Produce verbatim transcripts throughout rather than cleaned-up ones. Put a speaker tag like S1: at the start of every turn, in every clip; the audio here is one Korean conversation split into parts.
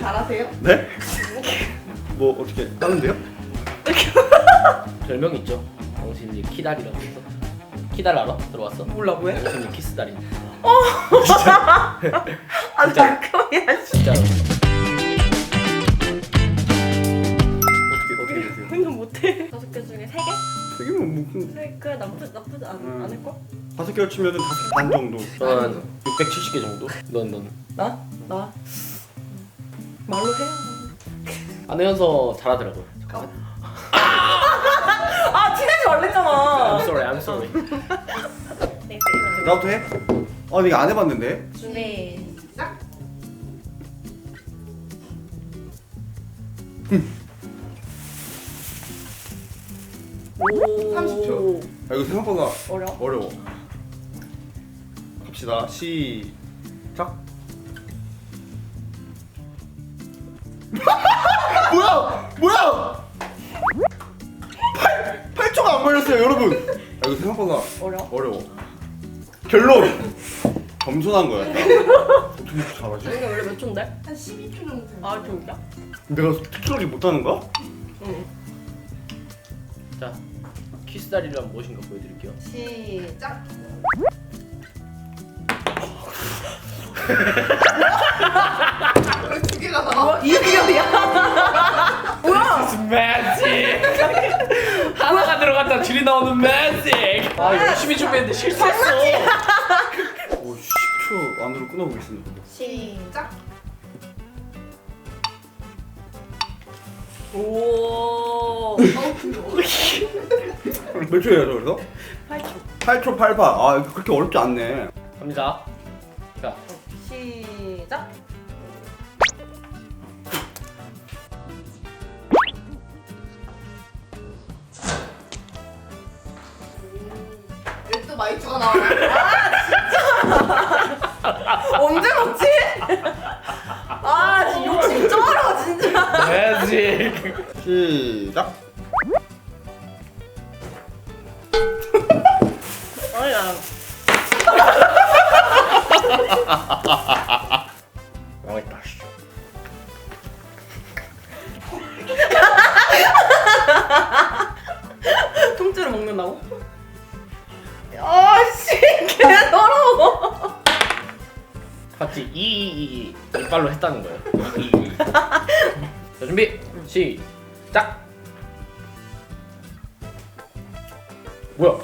S1: 잘하세요?
S2: 네? 뭐 어떻게 하는데요?
S3: 별명 있죠. 영신님 키다리라고 해서. 키달 알아? 들어봤어?
S1: 몰라 왜?
S3: 영신님 키스다리.
S1: 아
S3: 진짜.
S1: 잠깐만.
S3: 진짜.
S2: 어떻게 어떻게 되세요?
S1: 나 못해. 다섯 개 중에 세 개?
S2: 되게 뭐 무슨
S1: 세 개? 나쁘 나쁘지 않
S2: 음.
S1: 않을 걸?
S2: 다섯 개를 치면은 다섯 반 정도.
S3: 저는 육백칠십 개 정도. 넌 넌.
S1: 나? 나? 말로 해야.
S3: 안혜연서 잘하더라고요. 잠깐만.
S1: 아 티내지 말랬잖아.
S3: I'm sorry, I'm sorry.
S1: 네,
S2: 나부터 해? 아 내가 안 해봤는데.
S1: 준비 시작. 오.
S4: 삼십 초.
S2: 아 이거 생각보다
S1: 어려워?
S2: 어려워. 갑시다. 시작. 뭐야? 뭐야? 팔, 팔 초가 안 걸렸어요 여러분. 아 이거 생각보다
S1: 어려워?
S2: 어려워. 결론 겸손한 거야. 어떻게 이렇게 잘하지?
S1: 이게 원래 몇 초인데?
S4: 한 십이 초 정도 돼요.
S1: 아 진짜?
S2: 내가 특별하게 못하는 거야?
S1: 응.
S3: 자, 키스다리란 무엇인가 보여드릴게요.
S4: 시작. 두 개가 나와.
S1: 이유리야.
S3: It's magic. 하나가 들어갔다 줄이 나오는 magic. 아 열심히 준비했는데 실수했어.
S2: 오, 십 초 안으로 끊어보겠습니다.
S4: 시작.
S1: 오.
S2: 몇 초예요 저 그래서?
S1: 팔 초.
S2: 팔 초 팔 파. 아 이거 그렇게 어렵지 않네.
S3: 갑니다. 자,
S1: 시작.
S4: 왜 또 마이쮸가 나와?
S1: 언제 먹지? 아 진짜 욕심 쩔어 진짜.
S3: magic.
S2: 시작.
S1: 아니야.
S3: 망했다. 씨.
S1: 통째로 먹는다고? 아씨 개 더러워.
S3: 봤지? 이이이 이빨로 했다는 거예요. 이, 이, 이. 자 준비 시작. 뭐야?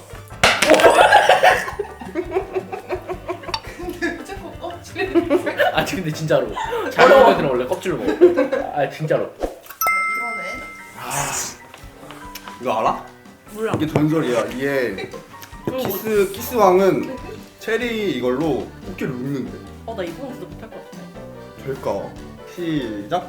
S4: 근데 왜 자꾸 껍질을?
S3: 아 근데 진짜로 잘 먹는 애들은 원래 껍질로 먹어. 아 진짜로.
S4: 이번엔
S2: 이거 알아?
S1: 몰라.
S2: 이게 전설이야. 이게 키스 키스 왕은 체리 이걸로 꽃게를 눕는데.
S1: 어나 이번 진짜 못할 것 같아.
S2: 될까? 시작.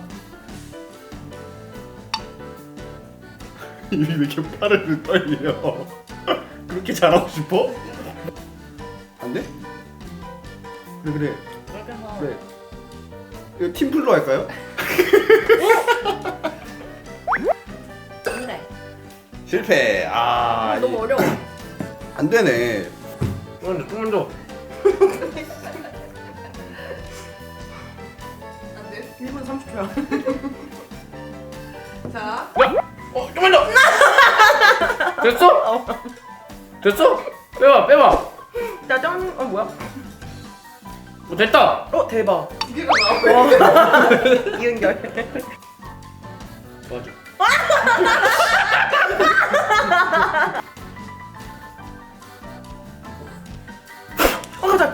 S2: 입이 왜 이렇게 빠르게 떨려? 그렇게 잘하고 싶어? 안 돼? 그래 그래
S1: 이렇게 해서
S2: 그래. 이거 팀플로 할까요?
S1: 안돼.
S2: 실패. 아
S1: 너무
S2: 이-
S1: 어려워.
S2: 안 되네.
S3: 조금 더 조금 더.
S4: 안 돼.
S1: 일 분 삼십 초야.
S4: 자,
S3: 야! 어 조금 더. 됐어? 됐어? 빼봐 빼봐.
S1: 짜잔. 어 뭐야?
S3: 어 됐다.
S1: 어 대박.
S4: 두 개가 나와.
S1: 이은결.
S3: 도와줘.
S1: 어 가자.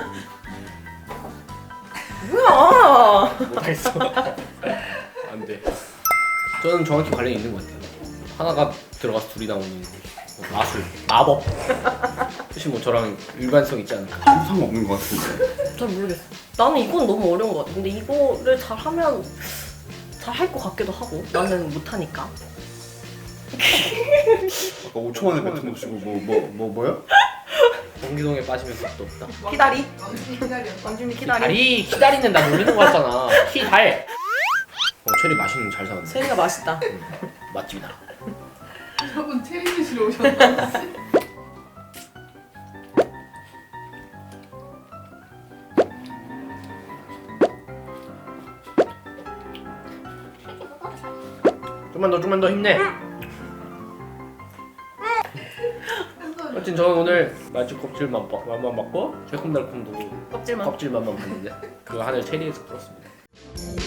S1: 뭐야?
S3: 못하겠어. 안 돼. 저는 정확히 관련이 있는 것 같아요. 하나가 들어가서 둘이 나오는 뭐 마술, 마법. 혹시 뭐 저랑 일관성 있지 않을까?
S2: 아무 상관없는 것 같은데.
S1: 잘 모르겠어. 나는 이건 너무 어려운 것 같아. 근데 이거를 잘하면 잘 할 것 같기도 하고. 나는 못하니까.
S2: 아까 오 초 만에 뱉은 거 치고 뭐 뭐 뭐 뭐, 뭐야?
S3: 경기동에 빠지면 끝도 없다.
S1: 키다리.
S4: 완전 기다렸다.
S1: 완준이 키다리.
S3: 다리 기다리는 나 놀리는 거 같잖아. 키 달. 어 체리 맛있는 거 잘 사왔네.
S1: 세리가 맛있다.
S3: 응, 맛집이다.
S4: 저분 체리 드시러 오셨나?
S3: 좀만 더 좀만 더 힘내. 하여튼 저는 오늘 맛집 껍질 맛만 맛만 봤고 새콤달콤도
S1: 껍질만.
S3: 껍질 맛만 봤는데 그거 하나를 체리에서 풀었습니다.